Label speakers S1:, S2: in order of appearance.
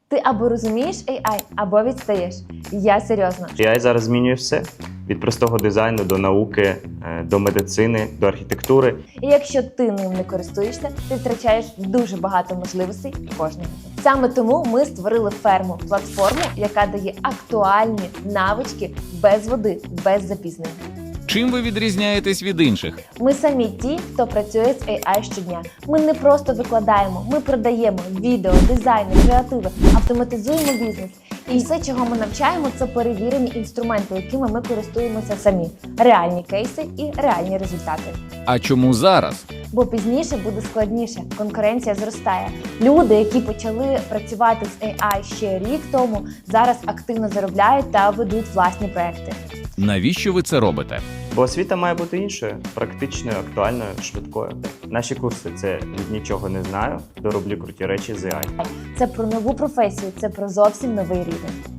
S1: Ти або розумієш AI, або відстаєш. Я серйозно.
S2: AI зараз змінює все. Від простого дизайну до науки, до медицини, до архітектури.
S1: І якщо ти ним не користуєшся, ти втрачаєш дуже багато можливостей кожного дня. Саме тому ми створили ферму, платформу, яка дає актуальні навички без води, без запізнення.
S3: Чим ви відрізняєтесь від інших?
S1: Ми самі ті, хто працює з AI щодня. Ми не просто викладаємо, ми продаємо відео, дизайни, креативи, автоматизуємо бізнес. І все, чого ми навчаємо, це перевірені інструменти, якими ми користуємося самі. Реальні кейси і реальні результати.
S3: А чому зараз?
S1: Бо пізніше буде складніше, конкуренція зростає. Люди, які почали працювати з AI ще рік тому, зараз активно заробляють та ведуть власні проекти.
S3: Навіщо ви це робите?
S2: Бо освіта має бути іншою, практичною, актуальною, швидкою. Наші курси – це від нічого не знаю, до роблю круті речі з AI.
S1: Це про нову професію, це про зовсім новий рівень.